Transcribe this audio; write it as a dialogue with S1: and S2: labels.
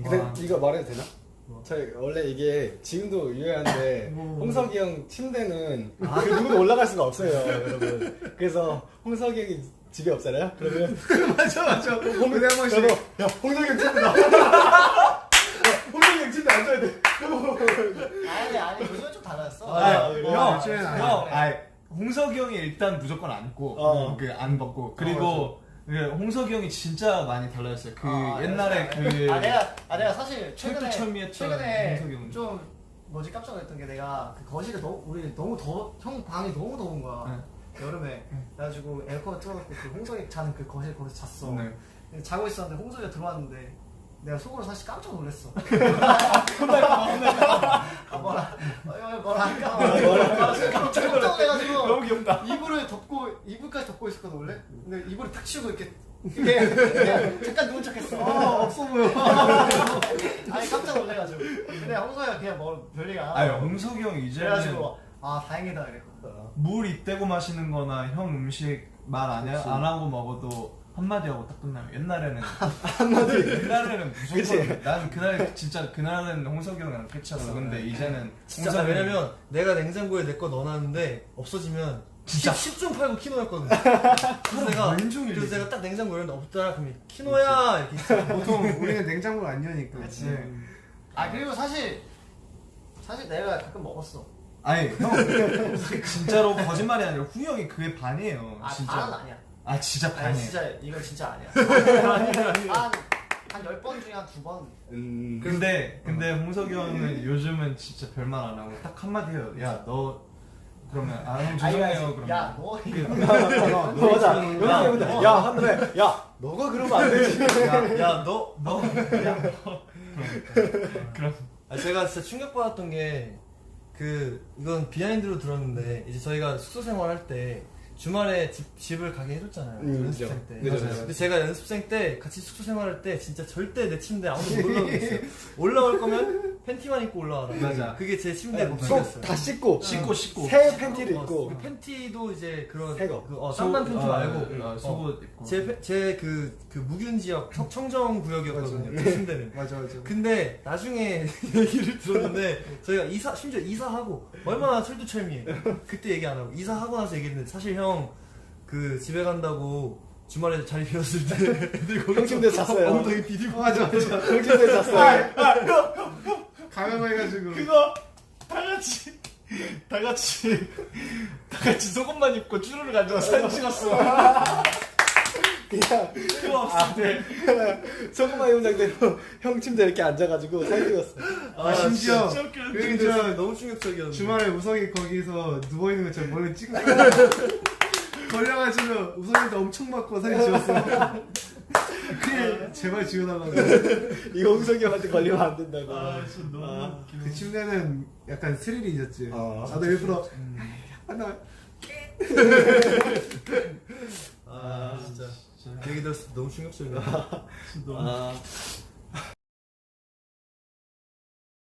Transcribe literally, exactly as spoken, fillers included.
S1: 근데 와. 이거 말해도 되나? 뭐. 저희 원래 이게 지금도 유효한데 뭐. 홍석이 형 침대는 아. 그 누구도 올라갈 수가 없어요, 여러분. 그래서 홍석이 형이 집에 없잖아요? 그러면
S2: 맞아 맞아.
S1: 홍, 근데 한 번씩 야 홍석이 형 침대 나. 홍석이 형 침대 앉아야 돼.
S3: 아니 아니 요즘은 좀 달랐어.
S2: 아, 아, 그래. 형, 요즘은 형, 형, 아니 홍석이 형이 일단 무조건 앉고 어. 그 안 벗고 그리고. 어, 홍석이 형이 진짜 많이 달라졌어요. 그 아, 옛날에 그
S3: 아 내가 아 내가 사실 최근에
S2: 철두철미했던
S3: 최근에 좀 뭐지 깜짝 놀랐던 게 내가 그 거실에 너무 우리 너무 더 형 방이 너무 더운 거야. 네. 여름에 그래가지고 에어컨을 틀어놓고 그 홍석이 자는 그 거실 거기서 잤어. 네. 자고 있었는데 홍석이가 들어왔는데 내가 속으로 사실 깜짝 놀랐어. 아 뭐라 뭐라 할까 깜짝 놀래가지고
S2: 너무 귀엽다.
S3: 이불을 덮고 이불까지 덮고 있었거든 원래. 근데 이불을 탁 치우고 이렇게 이렇게 잠깐 누운 척했어.
S2: 아 없어 보여.
S3: 아니 깜짝 놀래가지고. 근데 홍석이가 그냥 뭐 별리가 안 하고.
S2: 아니 홍석이 형 이제는
S3: 그래가지고 아 다행이다 이랬거든.
S2: 물 입대고 마시는 거나 형 음식 말 안 안 하고 먹어도 한마디 하고 딱 끝나요. 옛날에는
S1: 한마디
S2: 옛날에는 무조건 난 그날 진짜 그날은 홍석이 형이랑 끝이었어. 근데 이제는
S4: 진짜 홍석이... 왜냐면 내가 냉장고에 내 거 넣어놨는데 없어지면 진짜 십 중 팔구 키노였거든. 그래서 내가 그래서 내가 딱 냉장고 열는데 없더라. 그러면 키노야 이렇게 있어.
S2: 보통 우리는 냉장고를 안 여니까.
S3: 그렇지. 네. 아 그리고 사실 사실 내가 가끔 먹었어.
S2: 아니 형 진짜로 거짓말이 아니라 후 형이 그게 반이에요.
S3: 아
S2: 진짜.
S3: 반은 아니야.
S2: 아 진짜 반이에요.
S3: 아니 진짜 이건 진짜 아니야. 한한 열 번 중에 한 두 번.
S2: 음. 근데 근데 홍석이 형은 요즘은 진짜 별말 안 하고 딱 한마디 해요. 야 너 그러면 아 형 죄송해요. 그러면
S3: 야너
S1: 너 맞아. 여기 야 한번에 야 너가 그러면 안 되지.
S4: 야 너 너
S2: 야 너 그럼
S4: 아 제가 진짜 충격받았던 게 그 이건 비하인드로 들었는데 이제 저희가 숙소 생활할 때 주말에 집, 집을 가게 해줬잖아요. 음, 연습생 때.
S1: 그죠.
S4: 근데 제가 연습생 때 같이 숙소 생활할 때 진짜 절대 내 침대 아무도 못 올라오겠어요. 올라올 거면 팬티만 입고 올라와라.
S2: 맞아.
S4: 그게 제 침대 법칙이었어요.
S1: 다 씻고
S2: 씻고 씻고
S1: 새 팬티를 입고
S4: 그 팬티도 이제 그런
S1: 새 거.
S4: 그, 어, 땀난 팬티
S2: 아,
S4: 말고
S2: 아, 속옷 입고
S4: 제제그 그 무균 지역 청, 청정 구역이었거든요. 제 침대는.
S2: 맞아 맞아.
S4: 근데 나중에 얘기를 들었는데 저희가 이사 심지어 이사하고 얼마나 철두철미해. 그때 얘기 안 하고 이사하고 나서 얘기했는데 사실 형 그 집에 간다고 주말에 자리 비웠을 때 애들 거기
S1: 형 침대 잤어요.
S4: 엉덩이 비디고
S1: 맞아 맞아. 형 침대 잤어요.
S2: 가면 해가지고 그거 다 같이 다 같이 다 같이 속옷만 입고 쭈루를 가져와 사진 찍었어.
S1: 그냥
S2: 그거 없을 때
S1: 소금만 입은 상태로 형 침대 이렇게 앉아가지고 사진 찍었어.
S2: 아, 아 심지어
S4: 그 진짜 너무 충격적이었는데
S2: 주말에 우석이 거기서 누워있는 것처럼 머리 찍고 걸려가지고 우석이한테 엄청 맞고 사진 찍었어. 그래 제발 지워달라고.
S1: 이거 홍석이 형한테 걸리면 안 된다고.
S2: 아 진짜 너무
S1: 아,
S2: 그 침대는 약간 스릴이 있었지.
S1: 아,
S2: 나도 일부러
S4: 음.
S2: 하나
S4: 아 진짜 그 얘기 들었을 때 너무 충격적이야.
S1: 아